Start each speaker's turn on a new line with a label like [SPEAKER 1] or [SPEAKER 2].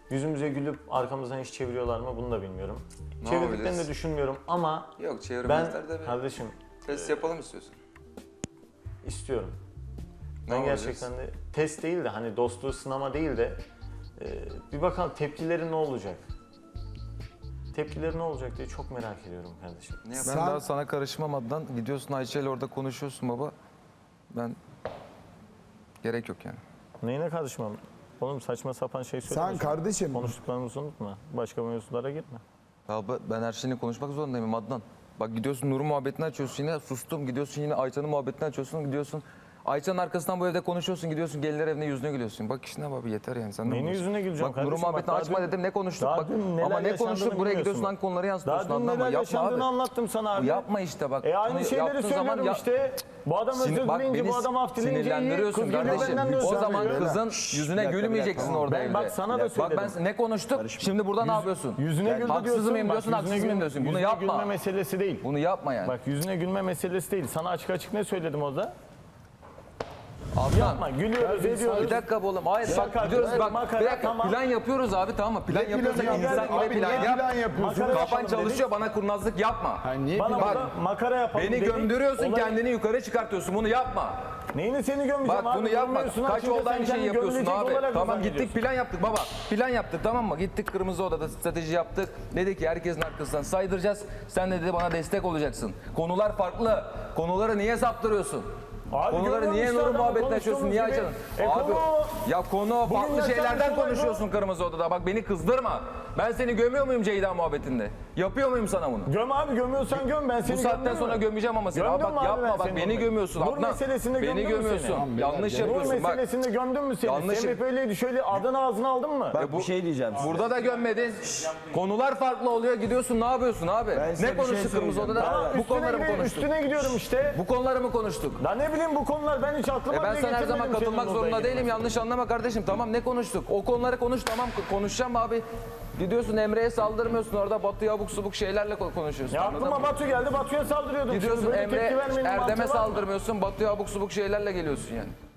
[SPEAKER 1] yüzümüze gülüp arkamızdan iş çeviriyorlar mı bunu da bilmiyorum.
[SPEAKER 2] Ne
[SPEAKER 1] Çevirdiklerini de
[SPEAKER 2] yapabiliriz?
[SPEAKER 1] düşünmüyorum ama
[SPEAKER 2] Yok
[SPEAKER 1] ben
[SPEAKER 2] çevirmezler de bir
[SPEAKER 1] kardeşim
[SPEAKER 2] test yapalım istiyorsun.
[SPEAKER 1] istiyorum.
[SPEAKER 2] Ne
[SPEAKER 1] Ben
[SPEAKER 2] yapacağız?
[SPEAKER 1] gerçekten de test değil de hani dostluğu sınama değil de bir bakalım tepkileri ne olacak? Tepkileri ne olacak diye çok merak ediyorum kardeşim.
[SPEAKER 2] Ne
[SPEAKER 3] Ben
[SPEAKER 2] yapalım?
[SPEAKER 3] daha sana karışmam Adnan. Gidiyorsun Ayça ile orada konuşuyorsun baba. Ben gerek yok yani.
[SPEAKER 1] Neyine karışmam? Oğlum saçma sapan şey söyleme.
[SPEAKER 4] Sen kardeşim
[SPEAKER 1] Konuştuklarımızı unutma. Başka mevzulara girme.
[SPEAKER 3] Ya ben her şeyini konuşmak zorundayım Adnan. Bak gidiyorsun Nur'un muhabbetini açıyorsun yine sustum. Gidiyorsun yine Ayça'nın muhabbetini açıyorsun. Gidiyorsun Ayça'nın arkasından bu evde konuşuyorsun. Gidiyorsun gelinler evine yüzüne gülüyorsun. Bak işine abi yeter yani. Sen de
[SPEAKER 1] Neyin
[SPEAKER 3] konuşuyorsun.
[SPEAKER 1] yüzüne güleceğim
[SPEAKER 3] Bak Nur'un
[SPEAKER 1] kardeşim?
[SPEAKER 3] muhabbetini
[SPEAKER 1] Bak,
[SPEAKER 3] açma
[SPEAKER 1] daha
[SPEAKER 3] dedim. Ne konuştuk
[SPEAKER 1] daha
[SPEAKER 3] bak.
[SPEAKER 1] dün neler
[SPEAKER 3] Ama ne
[SPEAKER 1] yaşandığını
[SPEAKER 3] konuştuk buraya gidiyorsun
[SPEAKER 1] bilmiyorsun.
[SPEAKER 3] hangi konuları yansıtıyorsun
[SPEAKER 1] Daha dün
[SPEAKER 3] anlama.
[SPEAKER 1] neler
[SPEAKER 3] Yapma
[SPEAKER 1] yaşandığını
[SPEAKER 3] abi.
[SPEAKER 1] anlattım sana abi.
[SPEAKER 3] Yapma işte bak.
[SPEAKER 1] Aynı
[SPEAKER 3] Bunu
[SPEAKER 1] şeyleri
[SPEAKER 3] yaptığın
[SPEAKER 1] söylüyorum
[SPEAKER 3] zaman ya-
[SPEAKER 1] işte. Bu adam özür
[SPEAKER 3] Bak
[SPEAKER 1] dileyince,
[SPEAKER 3] beni
[SPEAKER 1] bu adam af dileyince iyi.
[SPEAKER 3] sinirlendiriyorsun
[SPEAKER 1] Kız geliyor
[SPEAKER 3] kardeşim.
[SPEAKER 1] benden de özür
[SPEAKER 3] O zaman
[SPEAKER 1] diliyor.
[SPEAKER 3] kızın yüzüne gülmeyeceksin orada
[SPEAKER 1] Ben
[SPEAKER 3] evde.
[SPEAKER 1] bak sana da
[SPEAKER 3] Bak
[SPEAKER 1] söyledim.
[SPEAKER 3] ben ne konuştuk? Şimdi burada ne yapıyorsun?
[SPEAKER 1] Yüzüne güldü diyorsun.
[SPEAKER 3] Haksız mıyım
[SPEAKER 1] bak,
[SPEAKER 3] diyorsun,
[SPEAKER 1] yüzüne
[SPEAKER 3] haksız mıyım diyorsun. Bunu
[SPEAKER 1] yüzüne
[SPEAKER 3] yapma.
[SPEAKER 1] gülme meselesi değil.
[SPEAKER 3] Bunu yapma yani.
[SPEAKER 1] Bak yüzüne gülme meselesi değil. Sana açık açık ne söyledim orada?
[SPEAKER 3] Adnan.
[SPEAKER 1] Yapma, gülüyoruz, ediyoruz.
[SPEAKER 3] Bir dakika oğlum. Hayır
[SPEAKER 1] Şaka,
[SPEAKER 3] bak gidiyoruz
[SPEAKER 1] evet,
[SPEAKER 3] bak.
[SPEAKER 1] makara,
[SPEAKER 3] Bir dakika
[SPEAKER 1] tamam.
[SPEAKER 3] plan yapıyoruz abi tamam mı? Plan yapıyorsak
[SPEAKER 4] planı
[SPEAKER 3] insan
[SPEAKER 4] yapıyorsun?
[SPEAKER 3] gibi
[SPEAKER 4] Abi
[SPEAKER 3] plan
[SPEAKER 4] niye
[SPEAKER 3] yap.
[SPEAKER 4] plan yapıyorsun?
[SPEAKER 1] Makara
[SPEAKER 3] Kafan
[SPEAKER 1] yapalım
[SPEAKER 3] çalışıyor bana kurnazlık yapma.
[SPEAKER 4] niye
[SPEAKER 1] Bana
[SPEAKER 3] Bak,
[SPEAKER 1] burada makara yapalım
[SPEAKER 3] Beni
[SPEAKER 1] dedik.
[SPEAKER 3] gömdürüyorsun
[SPEAKER 1] Olay-
[SPEAKER 3] kendini yukarı çıkartıyorsun bunu yapma.
[SPEAKER 1] Neyini seni gömeceğim
[SPEAKER 3] Bak
[SPEAKER 1] abi?
[SPEAKER 3] bunu yapma.
[SPEAKER 1] Gömüyorsun,
[SPEAKER 3] Kaç
[SPEAKER 1] açınca
[SPEAKER 3] oldu
[SPEAKER 1] sen
[SPEAKER 3] aynı şeyi
[SPEAKER 1] kendini
[SPEAKER 3] yapıyorsun
[SPEAKER 1] gömülecek
[SPEAKER 3] abi.
[SPEAKER 1] olarak
[SPEAKER 3] Tamam
[SPEAKER 1] zannediyorsun.
[SPEAKER 3] gittik plan yaptık baba. Plan yaptık tamam mı? Gittik kırmızı odada strateji yaptık. Dedik ki herkesin arkasından saydıracağız. Sen de dedi bana destek olacaksın. Konular farklı. Konuları niye saptırıyorsun?
[SPEAKER 1] Abi
[SPEAKER 3] Konuları
[SPEAKER 1] görüyorum
[SPEAKER 3] niye
[SPEAKER 1] işte
[SPEAKER 3] Nur'un
[SPEAKER 1] adamı
[SPEAKER 3] muhabbetini açıyorsun? Niye
[SPEAKER 1] konuştuğumuz
[SPEAKER 3] açıyorsun?
[SPEAKER 1] gibi.
[SPEAKER 3] Abi
[SPEAKER 1] Konu-
[SPEAKER 3] ya konu
[SPEAKER 1] Bugün
[SPEAKER 3] farklı
[SPEAKER 1] yaşanan
[SPEAKER 3] şeylerden
[SPEAKER 1] olay bu.
[SPEAKER 3] konuşuyorsun kırmızı odada. Bak beni kızdırma. Ben seni gömüyor muyum Ceyda muhabbetinde? Yapıyor muyum sana bunu?
[SPEAKER 1] Göm abi, gömüyorsan göm, ben seni
[SPEAKER 3] Bu saatten
[SPEAKER 1] gömdüm
[SPEAKER 3] sonra
[SPEAKER 1] mü?
[SPEAKER 3] gömeceğim ama seni.
[SPEAKER 1] Gömdüm
[SPEAKER 3] Bak
[SPEAKER 1] mü abi
[SPEAKER 3] yapma
[SPEAKER 1] ben
[SPEAKER 3] bak
[SPEAKER 1] seni
[SPEAKER 3] beni
[SPEAKER 1] orada?
[SPEAKER 3] gömüyorsun
[SPEAKER 1] Nur
[SPEAKER 3] Adnan.
[SPEAKER 1] meselesinde
[SPEAKER 3] Beni
[SPEAKER 1] gömdün mü
[SPEAKER 3] gömüyorsun.
[SPEAKER 1] seni?
[SPEAKER 3] Yanlış
[SPEAKER 1] Nur
[SPEAKER 3] yapıyorsun bak.
[SPEAKER 1] meselesinde gömdün mü seni?
[SPEAKER 3] Yanlış-
[SPEAKER 1] Semih böyleydi, şöyle adını ağzına aldın mı?
[SPEAKER 3] Bu, şey diyeceğim. Burada da gömmedin. Konular farklı oluyor. Gidiyorsun ne yapıyorsun abi? Ne konuştuk kırmızı odada?
[SPEAKER 1] Tamam,
[SPEAKER 3] Bu konuları mı konuştuk?
[SPEAKER 1] üstüne gidiyorum işte.
[SPEAKER 3] Bu konuları mı konuştuk?
[SPEAKER 1] Lan ne bileyim bu konular, ben hiç aklıma
[SPEAKER 3] Ben
[SPEAKER 1] bile
[SPEAKER 3] sana her
[SPEAKER 1] getirmedim
[SPEAKER 3] zaman katılmak
[SPEAKER 1] senin
[SPEAKER 3] zorunda
[SPEAKER 1] odaya
[SPEAKER 3] değilim.
[SPEAKER 1] girmesini.
[SPEAKER 3] Yanlış anlama kardeşim. Tamam ne konuştuk? O konuları konuş tamam konuşacağım abi. Gidiyorsun Emre'ye saldırmıyorsun orada Batu'ya abuk subuk şeylerle konuşuyorsun.
[SPEAKER 1] Ya
[SPEAKER 3] anladın
[SPEAKER 1] aklıma
[SPEAKER 3] mı?
[SPEAKER 1] Batu geldi, Batu'ya saldırıyordum.
[SPEAKER 3] Gidiyorsun
[SPEAKER 1] Şimdi böyle tepki
[SPEAKER 3] Emre
[SPEAKER 1] vermenin mantığı
[SPEAKER 3] Erdem'e
[SPEAKER 1] var mı?
[SPEAKER 3] saldırmıyorsun. Batu'ya abuk subuk şeylerle geliyorsun yani.